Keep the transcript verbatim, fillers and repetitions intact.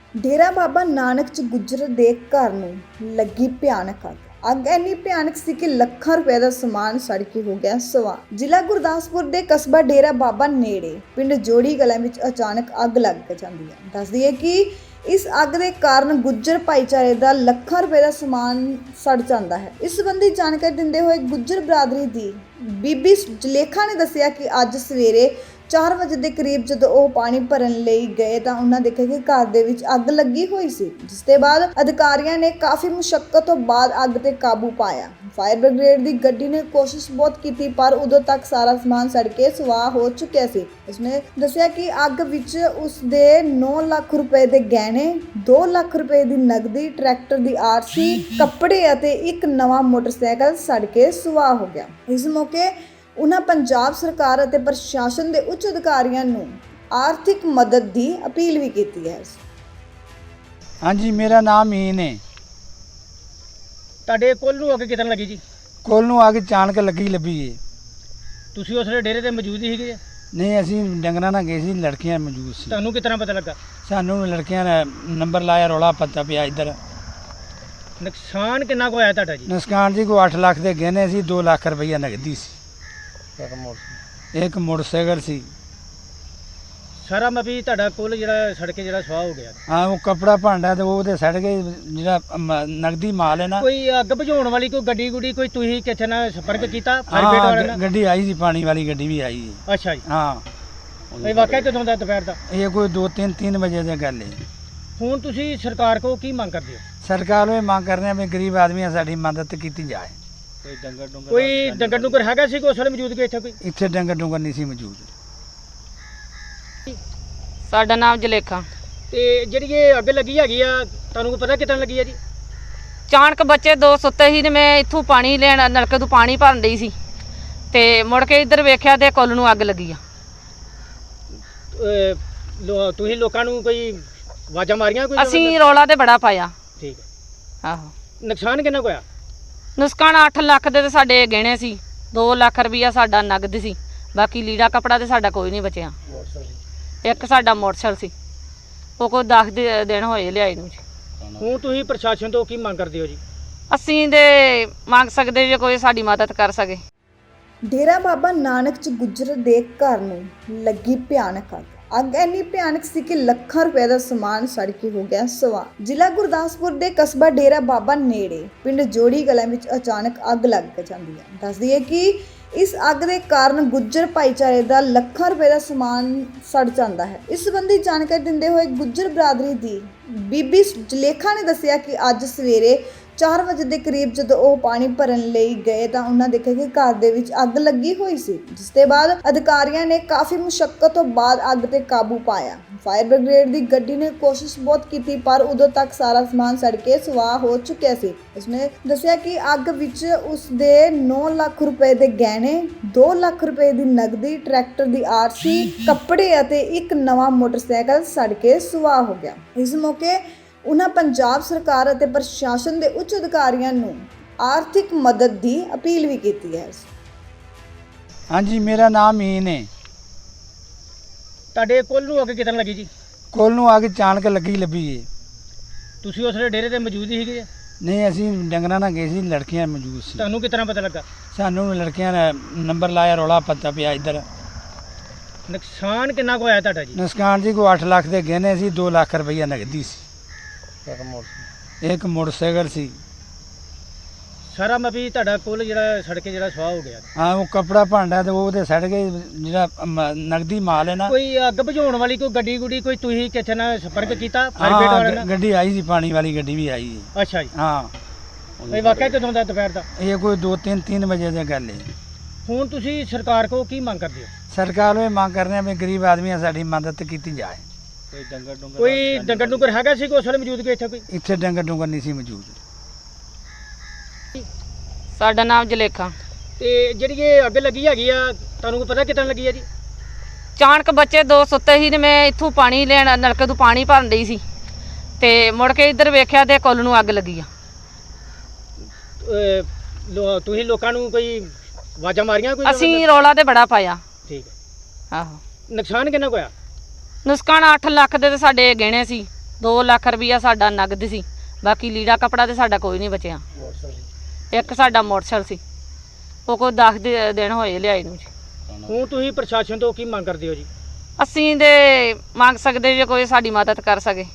डेरा बाबा नानक च गुजर दे घर नूं लगी भयानक अग अग इन्नी भयानक सी कि ਲੱਖਾਂ रुपए का समान सड़ के हो गया सवा। जिला गुरदासपुर के कस्बा डेरा बाबा नेड़े पिंड जोड़ी कलां विच अचानक अग लग जाती है। दस दिए कि इस अग के कारण गुज्जर भाईचारे का ਲੱਖਾਂ रुपए का समान सड़ जाता है। इस संबंधी जानकारी दिंदे हुए गुज्जर बरादरी की बीबी जलेखा ने दस्सिया कि अज सवेरे चार बजे के करीब जो वो पानी भरन लई गए तो उन्होंने देखा कि घर दे विच अग लगी हुई सी, जिसके बाद अधिकारियों ने काफ़ी मुशक्कत तो बाद अग ते काबू पाया। फायर ब्रिगेड की गड्डी ने कोशिश बहुत की पर उदों तक सारा समान सड़ के सुआह हो चुका सी। उसने दस्सिया कि अग विच उसदे नौ लाख रुपए के गहने, दो लाख रुपए की नगदी, ट्रैक्टर की आरसी, कपड़े अते एक नवा मोटरसाइकिल सड़ के सुआह हो गया। इस मौके उन्हें पंजाब सरकार और प्रशासन के उच्च अधिकारियों नूं आर्थिक मदद की अपील भी की है। हाँ जी, मेरा नाम मीन है। ਤੁਹਾਡੇ ਕੋਲ ਨੂੰ ਅੱਗ ਕਿਤਨ ਲੱਗੀ ਜੀ? ਕੋਲ ਨੂੰ ਆ ਕੇ ਚਾਣਕ ਲੱਗੀ ਲੱਭੀ ਏ। ਤੁਸੀਂ ਉਸ ਵੇਲੇ ਡੇਰੇ ਤੇ ਮੌਜੂਦ ਹੀ ਸੀਗੇ? ਨਹੀਂ, ਅਸੀਂ ਡੰਗਰਾਂ ਨਾਲ ਗਏ ਸੀ, ਲੜਕੀਆਂ ਮੌਜੂਦ ਸੀ। ਤੁਹਾਨੂੰ ਕਿਤਨਾ ਪਤਾ ਲੱਗਾ? ਸਾਨੂੰ ਲੜਕੀਆਂ ਨੇ ਨੰਬਰ ਲਾਇਆ, ਰੌਲਾ ਪਤਾ ਪਿਆ ਇੱਧਰ। ਨੁਕਸਾਨ ਕਿੰਨਾ ਕੁ ਹੋਇਆ ਤੁਹਾਡਾ ਜੀ? ਨੁਕਸਾਨ ਜੀ ਕੋਈ ਅੱਠ ਲੱਖ ਦੇ ਗਹਿਣੇ ਸੀ, ਦੋ ਲੱਖ ਰੁਪਈਆ ਨਗਦੀ ਸੀ, ਇੱਕ ਮੋਟਰਸਾਈਕਲ ਸੀ। ਸਾਰਾ ਮਪੀ ਤੁਹਾਡਾ ਕੋਲ ਜਿਹੜਾ ਸੜ ਕੇ ਜਿਹੜਾ ਸਵਾਹ ਹੋ ਗਿਆ। ਹਾਂ, ਉਹ ਕਪੜਾ ਭਾਂਡਾ ਤੇ ਉਹ ਤੇ ਸੜ ਗਏ, ਜਿਹੜਾ ਮ- ਨਗਦੀ ਮਾਲ ਹੈ ਨਾ। ਕੋਈ ਅੱਗ ਬੁਝਾਉਣ ਵਾਲੀ ਕੋਈ ਗੱਡੀ ਗੁੱਡੀ ਕੋਈ ਤੁਸੀਂ ਕਿੱਥੇ ਨਾਲ ਸੰਪਰਕ ਕੀਤਾ ਫਾਇਰ ਬ੍ਰਿਗੇਡ ਵਾਲਿਆਂ ਹਾਂ, ਨਾਲ? ਗੱਡੀ ਆਈ ਸੀ, ਪਾਣੀ ਵਾਲੀ ਗੱਡੀ ਵੀ ਆਈ ਹੈ। ਅੱਛਾ ਜੀ। ਹਾਂ, ਇਹ ਵਾਕਿਆ ਕਦੋਂ ਦਾ ਦੁਪਹਿਰ ਦਾ? ਇਹ ਕੋਈ ਦੋ ਤਿੰਨ ਤਿੰਨ ਵਜੇ ਦੀ ਗੱਲ ਹੈ। ਹੁਣ ਤੁਸੀਂ ਸਰਕਾਰ ਕੋਲ ਕੀ ਮੰਗ ਕਰਦੇ ਹੋ? ਸਰਕਾਰ ਨੂੰ ਇਹ ਮੰਗ ਕਰਨੇ ਆ ਵੀ ਗਰੀਬ ਆਦਮੀਆਂ ਸਾਡੀ ਮਦਦ ਕੀਤੀ ਜਾਏ। ਕੋਈ ਡੰਗਰ ਡੁੰਗਰ ਕੋਈ ਡੰਗਰ ਡੁੰਗਰ ਹੈਗਾ ਸੀ ਕੋਈ ਉਸ ਵੇਲੇ ਮੌਜੂਦ ਕੋਈ ਇੱਥੇ ਕੋਈ? ਇੱਥੇ ਡੰਗਰ ਡੁੰਗਰ ਨਹੀਂ ਸੀ ਮੌਜੂਦ। ਸਾਡਾ ਨਾਮ ਜਲੇਖਾ। ਤੇ ਜਿਹੜੀ ਇਹ ਅੱਗ ਲੱਗੀ ਹੈਗੀ ਆ ਤੁਹਾਨੂੰ ਕੋਈ ਪਤਾ ਕਿਤਨ ਲੱਗੀ ਆ ਜੀ? ਚਾਣਕ ਬੱਚੇ ਦੋ ਸੁੱਤੇ ਸੀ ਤੇ ਮੈਂ ਇੱਥੋਂ ਪਾਣੀ ਲੈਣ ਨਲਕੇ ਤੋਂ ਪਾਣੀ ਭਰਨ ਡਈ ਸੀ ਤੇ ਮੁੜ ਕੇ ਇੱਧਰ ਵੇਖਿਆ ਤੇ ਕੁੱਲ ਨੂੰ ਅੱਗ ਲੱਗੀ ਆ। ਅਹ ਲੋ- ਤੁਸੀਂ ਲੋਕਾਂ ਨੂੰ ਕੋਈ ਆਵਾਜ਼ਾਂ ਮਾਰੀਆਂ ਕੋਈ? ਅਸੀਂ ਰੌਲਾ ਤੇ ਬੜਾ ਪਾਇਆ। ਠੀਕ ਹੈ। ਆਹੋ, ਨੁਕਸਾਨ ਕਿੰਨਾ ਕੁ ਹੋਇਆ? ਨੁਕਸਾਨ ਅੱਠ ਲੱਖ ਦੇ ਤੇ ਸਾਡੇ ਗਹਿਣੇ ਸੀ, ਦੋ ਲੱਖ ਰੁਪਈਆ ਸਾਡਾ ਨਗਦ ਸੀ, ਬਾਕੀ ਲੀੜਾ ਕਪੜਾ ਤੇ ਸਾਡਾ ਕੋਈ ਨਹੀਂ ਬਚਿਆ। ਇੱਕ ਸਾਡਾ ਮੋਟਰਸਾਈਕਲ ਸੀ, ਉਹ ਕੋਈ ਦਸ ਦੇ ਦਿਨ ਹੋਏ ਲਿਆਏ ਨੂੰ ਜੀ। ਹੁਣ ਤੁਸੀਂ ਪ੍ਰਸ਼ਾਸਨ ਤੋਂ ਕੀ ਮੰਗ ਕਰਦੇ ਹੋ ਜੀ? ਅਸੀਂ ਦੇ ਮੰਗ ਸਕਦੇ ਜੇ ਕੋਈ ਸਾਡੀ ਮਦਦ ਕਰ ਸਕੇ। डेरा बाबा नानक च गुजर दे घर नूं लगी भयानक अग अग इन्नी भयानक सी कि ਲੱਖਾਂ रुपए का समान सड़ के हो गया सवा। जिला गुरदासपुर के कस्बा डेरा बाबा नेड़े पिंड जोड़ी कलां विच अचानक अग लग जाती है। दस दिए कि इस अग के कारण गुज्जर भाईचारे का ਲੱਖਾਂ रुपए का समान सड़ जाता है। इस संबंधी जानकारी दिंदे हुए गुज्जर बरादरी की बीबी जलेखा ने दस्सिया कि अज सवेरे चार बजे के करीब जो वो पानी भरन लई गए तो उन्होंने देखा कि घर दे विच अग लगी हुई सी, जिसके बाद अधिकारियों ने काफ़ी मुशक्कत तो बाद अग ते काबू पाया। फायर ब्रिगेड की गड्डी ने कोशिश बहुत की पर उदों तक सारा समान सड़ के सुआह हो चुका सी। उसने दस्सिया कि अग विच उसदे नौ लाख रुपए के गहने, दो लाख रुपए की नगदी, ट्रैक्टर की आरसी, कपड़े अते एक नवा मोटरसाइकिल सड़ के सुआह हो गया। इस मौके उन्हें पंजाब सरकार और प्रशासन के उच्च अधिकारियों नूं आर्थिक मदद की अपील भी की है। हाँ जी, मेरा नाम मीन है। ਤੁਹਾਡੇ ਕੋਲ ਨੂੰ ਅੱਗ ਕਿਤਨ ਲੱਗੀ ਜੀ? ਕੋਲ ਨੂੰ ਆ ਕੇ ਚਾਣਕ ਲੱਗੀ ਲੱਭੀ ਏ। ਤੁਸੀਂ ਉਸ ਵੇਲੇ ਡੇਰੇ ਤੇ ਮੌਜੂਦ ਹੀ ਸੀਗੇ? ਨਹੀਂ, ਅਸੀਂ ਡੰਗਰਾਂ ਨਾਲ ਗਏ ਸੀ, ਲੜਕੀਆਂ ਮੌਜੂਦ ਸੀ। ਤੁਹਾਨੂੰ ਕਿਤਨਾ ਪਤਾ ਲੱਗਾ? ਸਾਨੂੰ ਲੜਕੀਆਂ ਨੇ ਨੰਬਰ ਲਾਇਆ, ਰੌਲਾ ਪਤਾ ਪਿਆ ਇੱਧਰ। ਨੁਕਸਾਨ ਕਿੰਨਾ ਕੁ ਹੋਇਆ ਤੁਹਾਡਾ ਜੀ? ਨੁਕਸਾਨ ਜੀ ਕੋਈ ਅੱਠ ਲੱਖ ਦੇ ਗਹਿਣੇ ਸੀ, ਦੋ ਲੱਖ ਰੁਪਈਆ ਨਗਦੀ ਸੀ, ਇੱਕ ਮੋਟਰਸਾਈਕਲ ਸੀ। ਸਾਰਾ ਮਪੀ ਤੁਹਾਡਾ ਕੋਲ ਜਿਹੜਾ ਸੜ ਕੇ ਜਿਹੜਾ ਸਵਾਹ ਹੋ ਗਿਆ। ਹਾਂ, ਉਹ ਕਪੜਾ ਭਾਂਡਾ ਤੇ ਉਹ ਤੇ ਸੜ ਗਏ, ਜਿਹੜਾ ਮ- ਨਗਦੀ ਮਾਲ ਹੈ ਨਾ। ਕੋਈ ਅੱਗ ਬੁਝਾਉਣ ਵਾਲੀ ਕੋਈ ਗੱਡੀ ਗੁੱਡੀ ਕੋਈ ਤੁਸੀਂ ਕਿੱਥੇ ਨਾਲ ਸੰਪਰਕ ਕੀਤਾ ਫਾਇਰ ਬ੍ਰਿਗੇਡ ਵਾਲਿਆਂ ਹਾਂ, ਨਾਲ? ਗੱਡੀ ਆਈ ਸੀ, ਪਾਣੀ ਵਾਲੀ ਗੱਡੀ ਵੀ ਆਈ ਹੈ। ਅੱਛਾ ਜੀ। ਹਾਂ, ਇਹ ਵਾਕਿਆ ਕਦੋਂ ਦਾ ਦੁਪਹਿਰ ਦਾ? ਇਹ ਇਹ ਕੋਈ ਦੋ ਤਿੰਨ ਤਿੰਨ ਵਜੇ ਦੀ ਗੱਲ ਹੈ। ਹੁਣ ਤੁਸੀਂ ਸਰਕਾਰ ਕੋਲ ਕੀ ਮੰਗ ਕਰਦੇ ਹੋ? ਸਰਕਾਰ ਨੂੰ ਇਹ ਮੰਗ ਕਰਨੇ ਆ ਵੀ ਗਰੀਬ ਆਦਮੀਆਂ ਸਾਡੀ ਮਦਦ ਕੀਤੀ ਜਾਏ। ਕੋਈ ਡੰਗਰ ਡੁੰਗਰ ਕੋਈ ਡੰਗਰ ਡੁੰਗਰ ਹੈਗਾ ਸੀ ਕੋਈ ਉਸ ਵੇਲੇ ਮੌਜੂਦ ਕੋਈ ਇੱਥੇ ਕੋਈ? ਇੱਥੇ ਡੰਗਰ ਡੁੰਗਰ ਨਹੀਂ ਸੀ ਮੌਜੂਦ। ਸਾਡਾ ਨਾਮ ਜਲੇਖਾ। ਤੇ ਜਿਹੜੀ ਇਹ ਅੱਗ ਲੱਗੀ ਹੈਗੀ ਆ ਤੁਹਾਨੂੰ ਕੋਈ ਪਤਾ ਕਿਤਨ ਲੱਗੀ ਆ ਜੀ? ਚਾਣਕ ਬੱਚੇ ਦੋ ਸੁੱਤੇ ਸੀ ਤੇ ਮੈਂ ਇੱਥੋਂ ਪਾਣੀ ਲੈਣ ਨਲਕੇ ਤੋਂ ਪਾਣੀ ਭਰਨ ਡਈ ਸੀ ਤੇ ਮੁੜ ਕੇ ਇੱਧਰ ਵੇਖਿਆ ਤੇ ਕੁੱਲ ਨੂੰ ਅੱਗ ਲੱਗੀ ਆ। ਅਹ ਲੋ- ਤੁਸੀਂ ਲੋਕਾਂ ਨੂੰ ਕੋਈ ਆਵਾਜ਼ਾਂ ਮਾਰੀਆਂ ਕੋਈ? ਅਸੀਂ ਰੌਲਾ ਤੇ ਬੜਾ ਪਾਇਆ। ਠੀਕ ਹੈ। ਆਹੋ, ਨੁਕਸਾਨ ਕਿੰਨਾ ਕੁ ਹੋਇਆ? ਨੁਕਸਾਨ ਅੱਠ ਲੱਖ ਦੇ ਤੇ ਸਾਡੇ ਗਹਿਣੇ ਸੀ, ਦੋ ਲੱਖ ਰੁਪਈਆ ਸਾਡਾ ਨਗਦ ਸੀ, ਬਾਕੀ ਲੀੜਾ ਕਪੜਾ ਤੇ ਸਾਡਾ ਕੋਈ ਨਹੀਂ ਬਚਿਆ। ਇੱਕ ਸਾਡਾ ਮੋਟਰਸਾਈਕਲ ਸੀ, ਉਹ ਕੋਈ ਦਸ ਦੇ- ਦਿਨ ਹੋਏ ਲਿਆਏ ਨੂੰ ਜੀ। ਹੁਣ ਤੁਸੀਂ ਪ੍ਰਸ਼ਾਸਨ ਤੋਂ ਕੀ ਮੰਗ ਕਰਦੇ ਹੋ ਜੀ? ਅਸੀਂ ਦੇ ਮੰਗ ਸਕਦੇ ਜੇ ਕੋਈ ਸਾਡੀ ਮਦਦ ਕਰ ਸਕੇ।